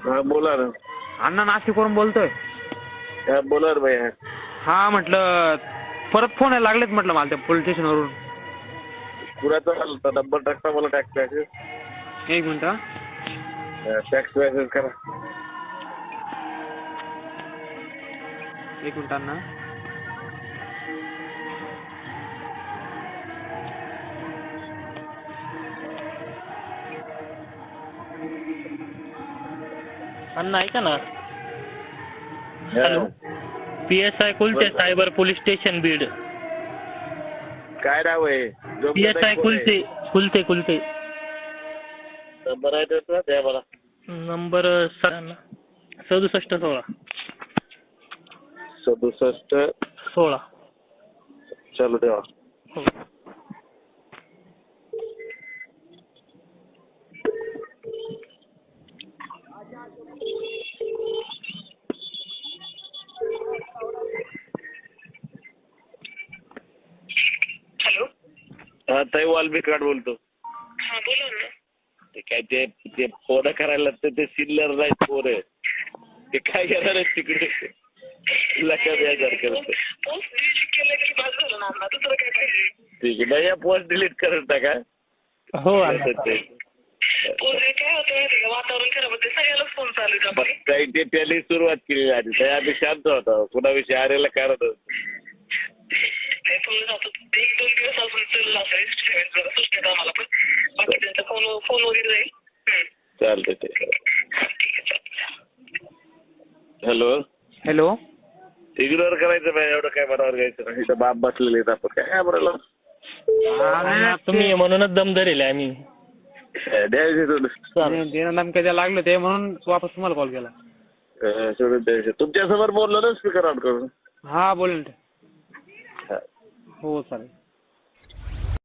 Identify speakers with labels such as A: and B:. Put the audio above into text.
A: हा बोला ना.
B: अण्णा नाशिकवरून बोलतोय.
A: हा बोला ना भैया.
B: हा म्हटलं परत फोन यायला लागलेत म्हटलं मला त्या पोलीस स्टेशनवरून.
A: कुणाचा आला नंबर टाकता मला टॅक्स मॅसेज.
B: एक मिनिट हा.
A: टॅक्स मॅसेज करा.
B: एक मिनिट अण्णा.
C: अण्णा ऐका ना. Hello. PSI Kulte cyber police station Beed.
A: काय नाव आहे?
C: PSI कुलते कुलते.
A: नंबर आहे त्याचा द्या मला.
C: नंबर 6716.
A: 6716. चलो देवा.
C: हो.
D: हॅलो.
A: हा ताई वाल्मिकाड बोलतो.
D: हा बोला ना.
A: ते काय ते फोन करायला ते सिल्लर नाही पोरं. ते काय घेणार आहे तिकडे लक्षात यायचं करत.
D: पोस्ट डिलीट केलं की बाद झालं ना अण्णा. दुसरं काय पाहिजे?
A: ठीक आहे. नाही पोस्ट डिलीट करत टाका.
C: हो
D: पोस्ट काय होतं माहिती का, वातावरण खराब होते, सगळ्यालाच फोन चालू आहे आपले.
A: काही ते त्याला सुरुवात केली आधी. त्या आधी शांत होता. कुणाविषयी आरेला कारण
D: ते फोन जातो 1-2 दिवस अजून चालला असेल जरा सुट्टीत आम्हाला पण. बाकी त्यांचा फोन वगैरे जाईल.
A: चालतंय ते.
D: ठीक आहे चालतं.
A: हॅलो.
B: हॅलो.
A: इग्नोर करायचं नाही. एवढं काय मनावर घ्यायचं नाही. इथं बाप बसलेले आहेत आपण काय बोलायला.
C: तुम्ही म्हणूनच दम धरेल आम्ही.
A: द्यायचे सोडून.
B: धमक्या द्यायला लागले ते म्हणून वापस तुम्हाला कॉल केला.
A: सोडून द्यायचे. तुमच्यासमोर बोललो ना स्पीकर ऑन करून.
B: हा बोल ना. हो चालेल.